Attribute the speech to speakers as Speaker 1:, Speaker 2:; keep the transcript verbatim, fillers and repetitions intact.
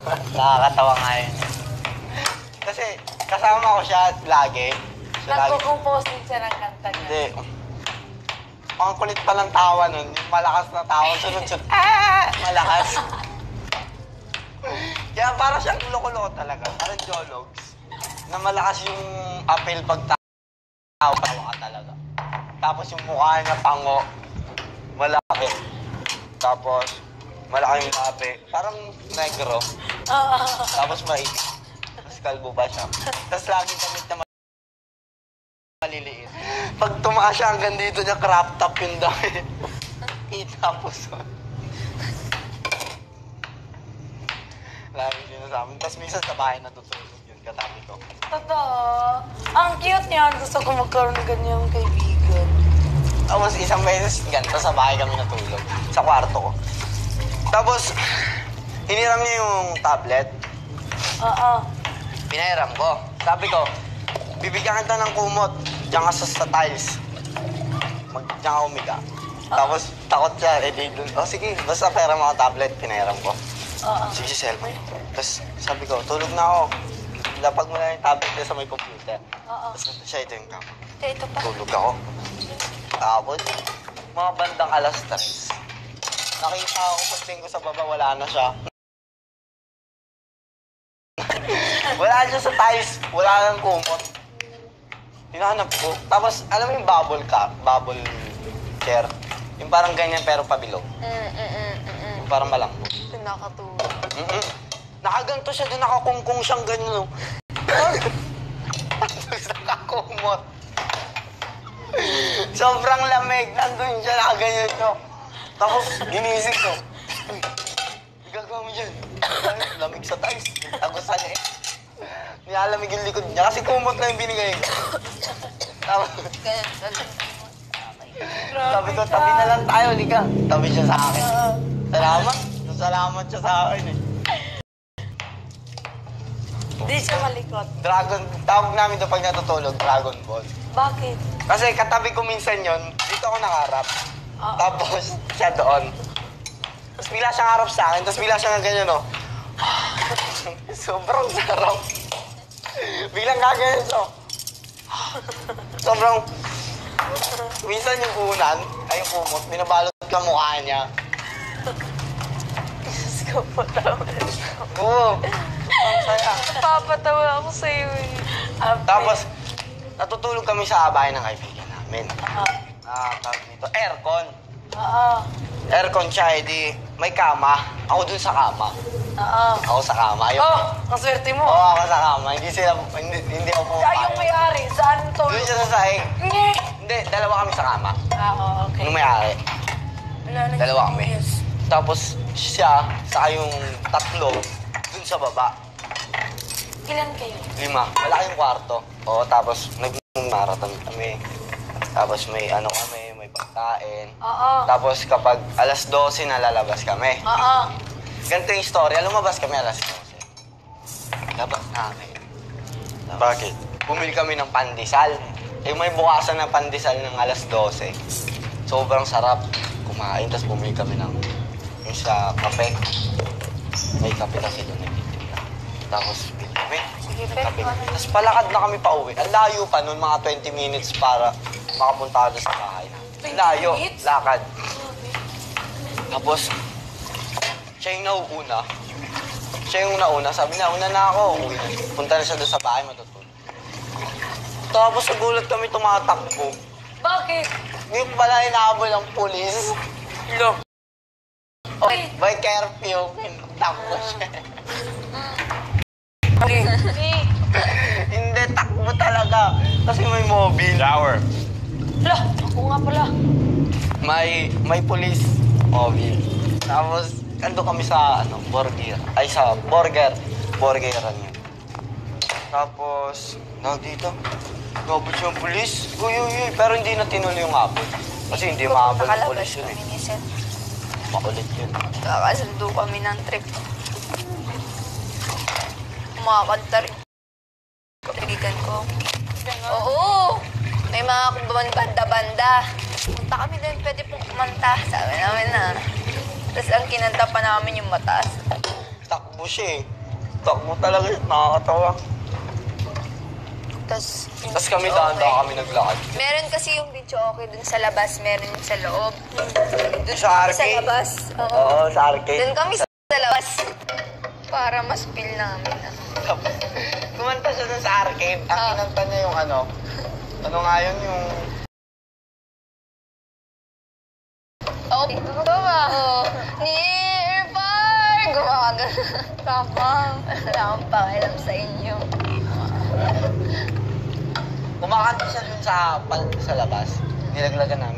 Speaker 1: Nakakatawa nga yun. Kasi kasama ko siya lagi.
Speaker 2: Nagko-compose din siya ng kanta niya.
Speaker 1: Hindi. Ang kulit pa ng tawa nun. Yung malakas na tawa. Sunod-sunod. Ah! Malakas. Kaya parang siyang loko-loko talaga. Parang jologs. Na malakas yung apel pag tawa ka talaga. Tapos yung mukha niya pango. Malaki. Tapos malaki yung labi. Parang negro. Tapos maiit. Tapos kalbo ba siya. Tapos lagi damit na maliliit. Pag tumaas siya hanggang dito niya, crop top yung damit. Itapos. Lagi sinasabi. Tapos minsan sa bahay natutulog yun, katabi ko.
Speaker 2: Totoo. Ang cute niya. Gusto ko magkaroon ng ganyang kaibigan.
Speaker 1: Tapos isang beses ganito sa bahay kami natulog. Sa kwarto ko. Tapos, hiniram niya yung tablet.
Speaker 2: Oo.
Speaker 1: Pinahiram ko. Sabi ko, bibigyan kita ng kumot. Diyan ka sa, sa tiles. Mag, diyan ka umiga. Tapos, takot siya. Eh, di dun. Oh, sige. Basta pera mo ang tablet. Pinahiram ko.
Speaker 2: Oo.
Speaker 1: Sige, si cellphone. Tapos, sabi ko, tulog na ako. Lapag mo na yung tablet niya sa may computer.
Speaker 2: Oo.
Speaker 1: Tapos, siya ito yung kama.
Speaker 2: Eh, ito pa.
Speaker 1: Tulog ako. Tapos, mga bandang alas tres. Nakita ako, pagting ko sa baba, wala na siya. Wala siya sa tiles. Wala nang kumot. Hinahanap ko. Tapos, alam mo yung bubble cup? Bubble chair? Yung parang ganyan pero pabilog.
Speaker 2: Mm, mm, mm, mm.
Speaker 1: Yung parang malambot.
Speaker 2: Nakatulog.
Speaker 1: Mm -mm. Nakaganto siya doon, nakakungkong siyang ganyan. Tapos nakakumot. Sobrang lamig. Nandun siya, nakaganyan siya. Tapos, ginising ko. Uy, gagawa mo dyan. Lamig sa tiles. Tagos sa niya eh. Nilalamig yung likod niya kasi kumot na yung binigay ko. Tapos, sabi ko, tabi na lang tayo, liga. Tabi siya sa akin. Salamat. Salamat siya sa akin eh.
Speaker 2: Hindi siya malikot.
Speaker 1: Dragon, tawag namin ito pag natutulog, Dragon Ball.
Speaker 2: Bakit?
Speaker 1: Kasi katabi ko minsan yon, dito ako nakaharap.
Speaker 2: Oh.
Speaker 1: Tapos, siya doon. Tapos bigla siyang harap sa akin, tapos bigla siyang ganyan, no? Sobrang sarap. Biglang gaganyan siya. Sobrang... Minsan yung unan, ay yung kumot, binabalot ka mukha niya.
Speaker 2: Diyos ko po, tawa.
Speaker 1: Oo. Ang saya.
Speaker 2: Napapatawa ako sa'yo eh.
Speaker 1: Tapos, natutulog kami sa bahay ng kaibigan namin.
Speaker 2: Oo.
Speaker 1: Ah, tawag dito, aircon.
Speaker 2: Oo.
Speaker 1: Aircon siya, edi may kama. Ako dun sa kama.
Speaker 2: Oo.
Speaker 1: Ako sa kama. Ayun.
Speaker 2: Oh, ang swerte mo.
Speaker 1: Oo, ako sa kama. Hindi sila, hindi, hindi ako pumapayag.
Speaker 2: Siya yung may-ari. Saan to?
Speaker 1: Doon siya sa sahig.
Speaker 2: Hindi.
Speaker 1: Hindi, dalawa kami sa kama.
Speaker 2: Ah, oo, okay.
Speaker 1: Yung may-ari.
Speaker 2: Wala na.
Speaker 1: Dalawa kami. Tapos siya, saka yung tatlo, dun sa baba.
Speaker 2: Ilan kayo?
Speaker 1: Lima. Malaking kwarto. Oo, tapos nag-marathon kami. Tapos may ano kami, may pagkain.
Speaker 2: Oo.
Speaker 1: Tapos kapag alas dose na lalabas kami.
Speaker 2: Oo.
Speaker 1: Ganito yung story. Lumabas kami alas dose. Labas namin. Bakit? Bumili kami ng pandesal. Eh, may bukasan ng pandesal ng alas dose. Sobrang sarap kumain. Tapos bumili kami ng yung sa kape. May kape kasi doon nagtitinda. Tapos bili kami.
Speaker 2: Sige,
Speaker 1: Kape.
Speaker 2: pero
Speaker 1: Tapos palakad na kami pa uwi. Ang layo pa noon, mga twenty minutes para makapunta doon sa bahay. Ang layo,
Speaker 2: minutes?
Speaker 1: lakad. Tapos, siya yung nauuna. Siya yung nauna. Sabi na, una na ako. Uwi na. Punta na siya doon sa bahay, matutulog. Tapos nagulat kami tumatakbo.
Speaker 2: bakit?
Speaker 1: Yung pala inaabol ng pulis.
Speaker 2: Lo.
Speaker 1: Oh, by curfew, takbo siya. Hindi, takbo talaga. Kasi may mobile.
Speaker 3: Shower.
Speaker 2: Lo, ako nga pala.
Speaker 1: May, may police mobile. Tapos, ando kami sa, ano, burger. Ay, sa burger. Burgeran yun. Tapos, na dito. Nabot yung police. Uy, uy, uy. Pero hindi na tinuloy yung abot. Kasi hindi maabot ng police yun eh. Makulit yun.
Speaker 4: Kakasundo kami ng trip. Kumakanta rin. Kaibigan ko. Oo! May mga banda-banda. Punta kami doon, pwede pong kumanta. Sabi namin na. Tapos ang kinanta pa namin yung mataas.
Speaker 1: Takbo tumatakbo siya eh. Takbo talaga siya, nakakatawa.
Speaker 4: Tapos,
Speaker 1: Tapos kami dahan-dahan kami naglakad.
Speaker 4: Meron kasi yung video okay dun sa labas, meron yung sa loob. Dun
Speaker 1: Sa
Speaker 4: kami sa
Speaker 1: arcade?
Speaker 4: labas. Oo.
Speaker 1: Oo, sa arcade.
Speaker 4: Dun kami sa labas. Para mas feel namin. ah.
Speaker 1: Tapos, kumanta siya dun sa arcade. Ang
Speaker 4: Ah.
Speaker 1: kinanta niya yung ano, ano nga yun, yung...
Speaker 4: Oo. Tama. Oo. Nearby! Gumaga. Tapang. Wala akong pakialam sa inyo.
Speaker 1: Kumakanta siya dun sa, pal- sa labas. Nilaglagan namin.